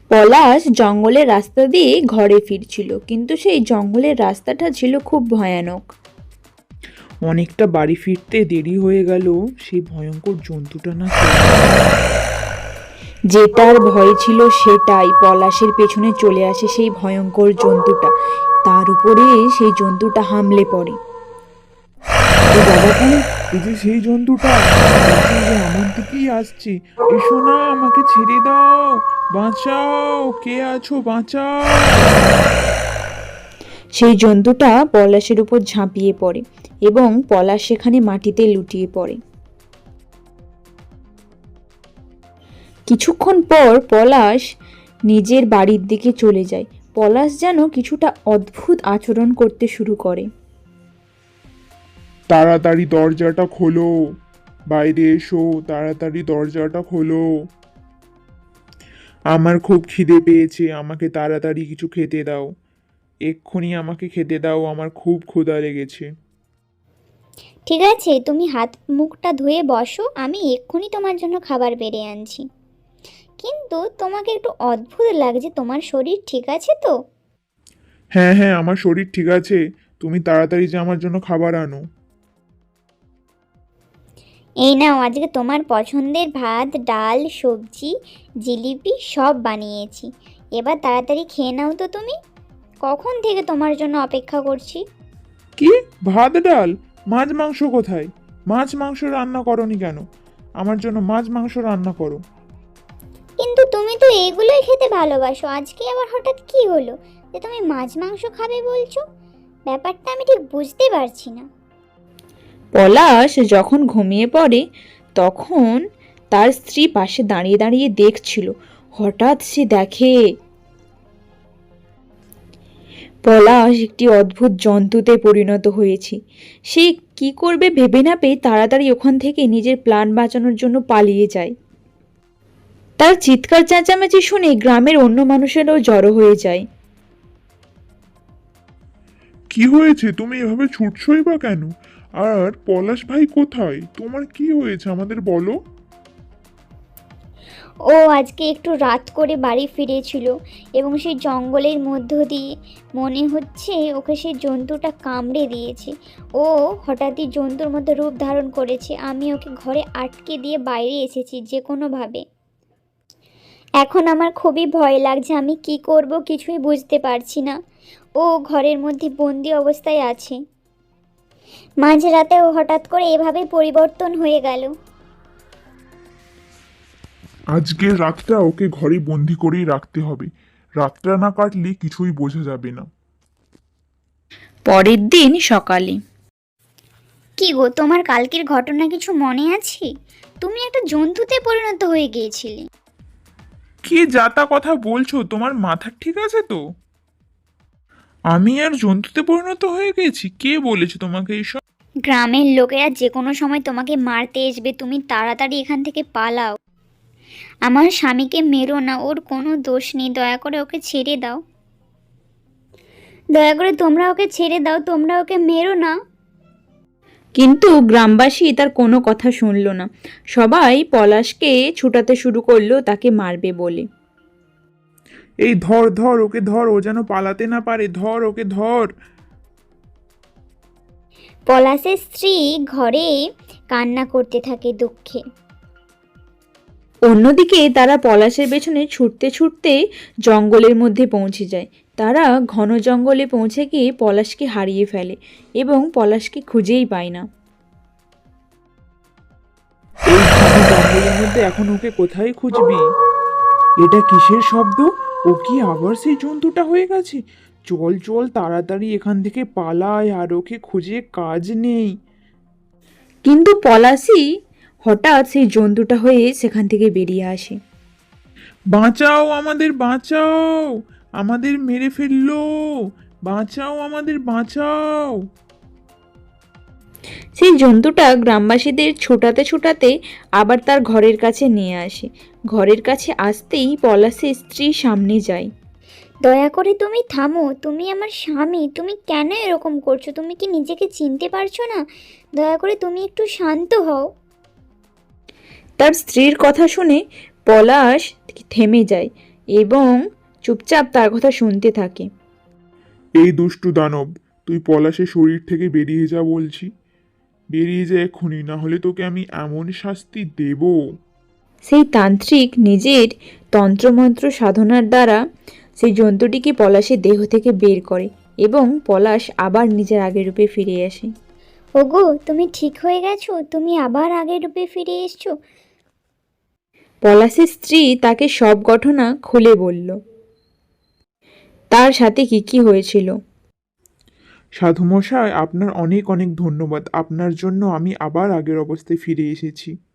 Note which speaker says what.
Speaker 1: পলাশ জঙ্গলের রাস্তা দিয়ে ঘরে ফিরছিল, কিন্তু সেই জঙ্গলের রাস্তাটা ছিল খুব ভয়ানক।
Speaker 2: অনেকটা বাড়ি ফিরতে দেরি হয়ে গেল। সেই ভয়ঙ্কর জন্তুটা না
Speaker 1: যেটার ভয় ছিল সেটাই, পলাশের পেছনে চলে আসে সেই ভয়ঙ্কর জন্তুটা। তার উপরে সেই জন্তুটা হামলে পড়ে।
Speaker 2: এ বাবাকু, এই যে সেই জন্তুটা বলছে যে আমার দিকেই আসছে। এসো না, আমাকে ছেড়ে দাও, বাঁচাও, কে আছো, বাঁচাও।
Speaker 1: সেই জন্তুটা পলাশের উপর ঝাঁপিয়ে পড়ে এবং পলাশ সেখানে মাটিতে লুটিয়ে পড়ে। কিছুক্ষণ পর পলাশ নিজের বাড়ির দিকে চলে যায়। পলাশ যেন কিছুটা অদ্ভুত আচরণ করতে শুরু করে।
Speaker 2: তাড়াতাড়ি দরজাটা খোলো, বাইরে এসো, তাড়াতাড়ি দরজাটা খোলো। আমার খুব খিদে পেয়েছে, আমাকে তাড়াতাড়ি কিছু খেতে দাও। এক্ষুনি আমাকে খেতে দাও, আমার খুব ক্ষুধা লেগেছে।
Speaker 3: ঠিক আছে, তুমি হাত মুখটা ধুয়ে বসো, আমি এক্ষুনি তোমার জন্য খাবার বেড়ে আনছি। কিন্তু তোমাকে একটু অদ্ভুত লাগছে, তোমার শরীর ঠিক আছে তো?
Speaker 2: হ্যাঁ হ্যাঁ, আমার শরীর ঠিক আছে। তুমি তাড়াতাড়ি যে আমার জন্য খাবার আনো।
Speaker 3: এই নাও, আজকে তোমার পছন্দের ভাত, ডাল, সবজি, জিলিপি সব বানিয়েছি। এবার তাড়াতাড়ি খেয়ে নাও তো তুমি। কখন থেকে তোমার জন্য অপেক্ষা করছি।
Speaker 2: কি? ভাত ডাল? মাছ মাংস কোথায়? মাছ মাংস রান্না করনি কেন? আমার জন্য মাছ মাংস রান্না করো।
Speaker 3: কিন্তু তুমি তো এগুলোই খেতে ভালোবাসো, আজকে আবার হঠাৎ কি হলো যে তুমি মাছ মাংস খাবে বলছো? ব্যাপারটা আমি ঠিক বুঝতে পারছি না।
Speaker 1: পলাশ যখন ঘুমিয়ে পড়ে তখন তার স্ত্রী পাশে দাঁড়িয়ে দাঁড়িয়ে দেখছিল। হঠাৎ সে দেখে পলাশ একটি অদ্ভুত জন্তুতে পরিণত হয়েছে। সে কি করবে ভেবে না পেয়ে তাড়াতাড়ি ওখান থেকে নিজের প্রাণ বাঁচানোর জন্য পালিয়ে যায়। তার চিৎকার চেঁচামেচি শুনে গ্রামের অন্য মানুষেরাও জড়ো হয়ে যায়।
Speaker 2: কি হয়েছে? তুমি এভাবে ছুটছই বা কেন? আর পলাশ ভাই কোথায়? তোমার কি হয়েছে আমাদের বলো।
Speaker 3: ও আজকে একটু রাত করে বাড়ি ফিরেছিল এবং সেই জঙ্গলের মধ্য দিয়ে মনে হচ্ছে ওকে সেই জন্তুটা কামড়ে দিয়েছে। ও হঠাৎই জন্তুর মতো রূপ ধারণ করেছে। আমি ওকে ঘরে আটকে দিয়ে বাইরে এসেছি যে কোনোভাবে। এখন আমার খুবই ভয় লাগছে, আমি কি করব কিছুই বুঝতে পারছি না। ও ঘরের মধ্যে বন্দি অবস্থায় আছে। মাঝরাতে ও হঠাৎ করে এভাবে পরিবর্তন হয়ে গেল।
Speaker 2: আজকের রাতটা ওকে ঘরে বন্দি করেই রাখতে হবে। রাতটা না কাটলে কিছুই বোঝা যাবে না।
Speaker 1: পরের দিন সকালে
Speaker 3: কি গো, তোমার কালকের ঘটনা কিছু মনে আছে? তুমি একটা জন্তুতে পরিণত হয়ে গিয়েছিলে।
Speaker 2: কি যাতা কথা বলছো? তোমার মাথা ঠিক আছে তো? আমি আর জন্তুতে পরিণত হয়ে গেছি? কে বলেছে তোমাকে এইসব?
Speaker 3: গ্রামের লোকেরা যে কোনো সময় তোমাকে মারতে আসবে, তুমি তাড়াতাড়ি এখান থেকে পালাও। আমার স্বামীকে মেরো না, ওর কোনো দোষ নেই, দয়া করে ওকে ছেড়ে দাও। দয়া করে তোমরা ওকে ছেড়ে দাও, তোমরা ওকে মেরো না।
Speaker 1: কিন্তু গ্রামবাসী তার কোনো কথা শুনল না। সবাই পলাশকে ছুটাতে শুরু করলো তাকে মারবে বলে।
Speaker 2: এই ধর ধর ওকে, ধর, ও যেন পালাতে না পারে, ধর ওকে, ধর।
Speaker 3: পলাশের স্ত্রী ঘরে কান্না করতে থাকে দুঃখে।
Speaker 1: অন্যদিকে তারা পলাশের পেছনে ছুটতে ছুটতে জঙ্গলের মধ্যে পৌঁছে যায়। তারা ঘন জঙ্গলে পৌঁছে গিয়ে পলাশকে হারিয়ে ফেলে এবং পলাশকে খুঁজেই পায় না।
Speaker 2: এই ঘন জঙ্গলের মধ্যে এখন ওকে কোথায় খুঁজবি? এটা কিসের শব্দ? ও কি আবার সেই জন্তুটা হয়ে গেছে? চল চল, তাড়াতাড়ি এখান থেকে পালায়, আর ওকে খুঁজে কাজ নেই।
Speaker 1: কিন্তু পলাশই হঠাৎ সেই জন্তুটা হয়ে সেখান থেকে বেরিয়ে আসে।
Speaker 2: বাঁচাও আমাদের, বাঁচাও, আমাদের মেরে ফেললো, বাঁচাও আমাদের, বাঁচাও।
Speaker 1: সেই জন্তুটা গ্রামবাসীদের ছোটাতে ছোটাতে আবার তার ঘরের কাছে নিয়ে আসে। ঘরের কাছে আসতেই পলাশের স্ত্রী সামনে যায়।
Speaker 3: দয়া করে তুমি থামো, তুমি আমার স্বামী, তুমি কেন এরকম করছো? তুমি কি নিজেকে চিনতে পারছো না? দয়া করে তুমি একটু শান্ত হও।
Speaker 1: তার স্ত্রীর কথা শুনে পলাশ থেমে যায় এবং চুপচাপ তার কথা শুনতে থাকে।
Speaker 2: এই দুষ্টু দানব, তুই পলাশের শরীর থেকে বেরিয়ে যা বলছি। বেরিয়ে যা এক্ষুনি, না হলে তোকে আমি এমন শাস্তি দেব।
Speaker 1: সেই তান্ত্রিক নিজের তন্ত্রমন্ত্র সাধনার দ্বারা সেই জন্তুটিকে পলাশের দেহ থেকে বের করে এবং পলাশ আবার নিজের আগের রূপে ফিরে আসে।
Speaker 3: ওগো, তুমি ঠিক হয়ে গেছো? তুমি আবার আগের রূপে ফিরে এসছো?
Speaker 1: পলাশের স্ত্রী তাকে সব ঘটনা খুলে বলল, তার সাথে কি কি হয়েছিল।
Speaker 2: সাধুমশাই, আপনার অনেক অনেক ধন্যবাদ। আপনার জন্য আমি আবার আগের অবস্থায় ফিরে এসেছি।